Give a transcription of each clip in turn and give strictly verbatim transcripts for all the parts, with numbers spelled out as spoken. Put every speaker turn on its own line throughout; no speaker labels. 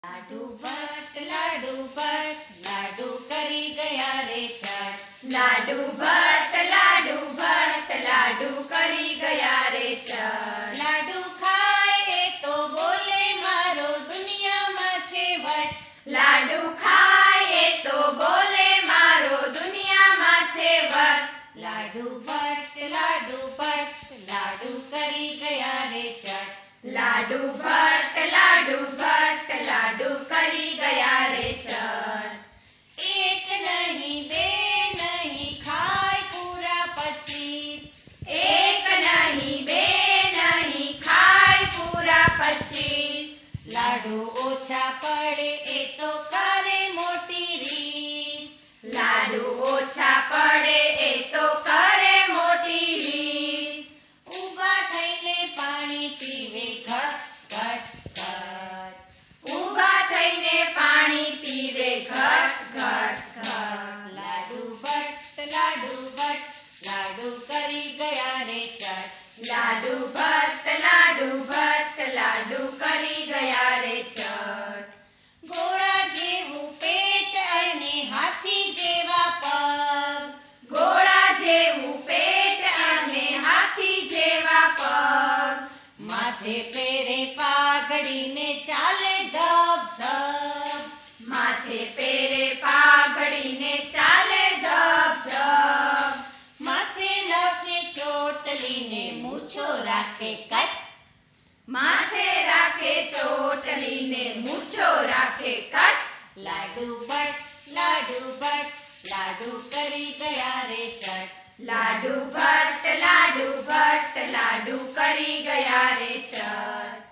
लाडू भट्ट लाडू भट्ट लाडू करी गया रे चट।
लाडू भट्ट लाडू भट्ट लाडू करी गया रे चट।
लाडू खाए तो बोले मारो दुनिया में छे वट।
लाडू खाए तो बोले मारो दुनिया में छे वट।
लाडू भट्ट लाडू भट्ट लाडू करी गया रे चट।
लाडू भट्ट लाडू भट्ट लाडू करी गया रे चट।
एक नहीं बे नहीं खाए पूरा पच्चीस।
एक नहीं बे नहीं खाए पूरा पच्चीस।
लाडू ओछा पड़े ए तो करे मोटी रीस।
लाडू ओछा पड़े ए तो करे मोटी रीस।
ऊभा थईने पाणी पीवे घट घट घट।
ऊभा थईने पाणी पीवे घट घट घट।
लाडू भट्ट लाडू भट्ट लाडू करी गया रे चट।
लाडू भट्ट लाडू भट्ट लाडू करी गया रे चट।
घोड़ा जेवू पेट अने हाथी जेवा पग।
घोड़ा जेवू पेट अने हाथी जेवा पग।
माथे पेरे पाघड़ी ने चाले धब धब।
माथे पेरे पाघड़ी ने चाले धब धब।
माथे नखे ચોટલી ને મૂછો રાખે કટ।
माथे राखे ચોટલી ने मूछो राखे कट।
लाडू भट्ट लाडू भट्ट लाडू करी गया रे चट।
लाडू भट्ट लाडू भट्ट लाडू करी गया रे चट।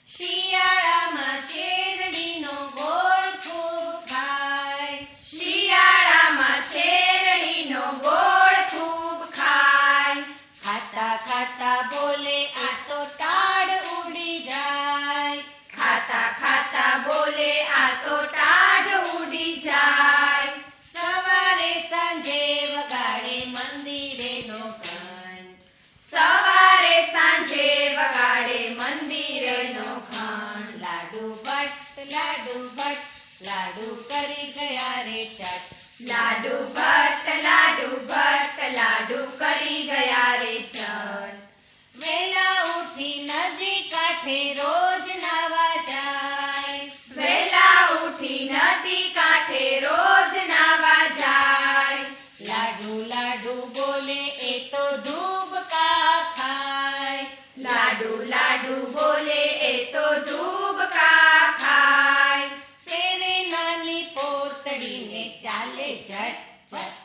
શિયાળામાં શેરડીનો ગોળ ખૂબ ખાય।
શિયાળામાં શેરડીનો ગોળ ખૂબ ખાય।
ખાતા ખાતા બોલે આ તો ટાળ ઉડી જાય।
ખાતા ખાતા બોલે આ તો ટાઢ ઉડી જાય।
સવારે સાંજે વગાડે મંદિરેનો ઘંટ।
સવારે સાંજે વગાડે મંદિરેનો ઘંટ।
લાડુ ભટ્ટ લાડુ ભટ્ટ લાડુ કરી ગયા રે ચટ।
લાડુ ભટ્ટ લાડુ ભટ્ટ લાડુ કરી ગયા રે ચટ।
વેલા ઉઠી નદી કાંઠે રોજ નાવા જાય।
વેલા ઉઠી નદી કાંઠે રોજ નાવા જાય।
લાડુ લાડુ બોલે એ તો ધૂબકા ખાય।
લાડુ લાડુ બોલે એ તો ધૂબકા ખાય।
તેરે નાની પોતડીને ચાલે ઝટ ઝટ।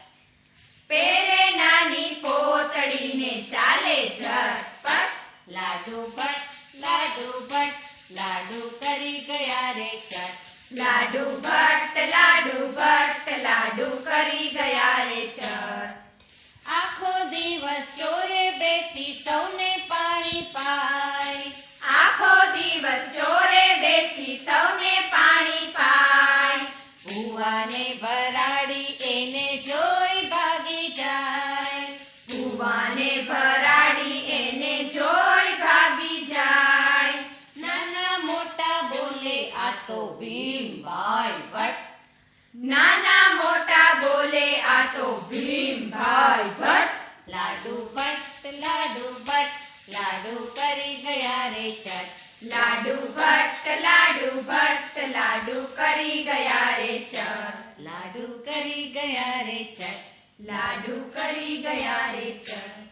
પેરે નાની પોતડીને ચાલે ઝટપટ।
લાડુ ભટ્ટ લાડુ ભટ્ટ લાડુ કરી ગયા રે ચટ।
લાડુ ભટ્ટ લાડુ ભટ્ટ લાડુ કરી ગયા રે ચટ।
આખો દિવસ ચોરે બેસી સૌને પાણી પાય।
આખો દિવસ ચોરે બેસી સૌને પાણી પાય।
ભુવાને ભરાડી એને જોઈ ભાગી જાય।
ભુવાને ભરાડી એને જોઈ ભાગી જાય।
નાના મોટા બોલે આ તો ભીમભાઈ ભટ્ટ।
નાના મોટા બોલે આ તો ભીમભાઈ ભટ્ટ।
લાડુ ભટ્ટ લાડુ ભટ્ટ લાડુ કરી ગયા રે ચટ।
લાડુ ભટ્ટ લાડુ ભટ્ટ લાડુ કરી ગયા રે ચટ।
લાડુ કરી ગયા રે ચટ।
લાડુ કરી ગયા રે ચટ।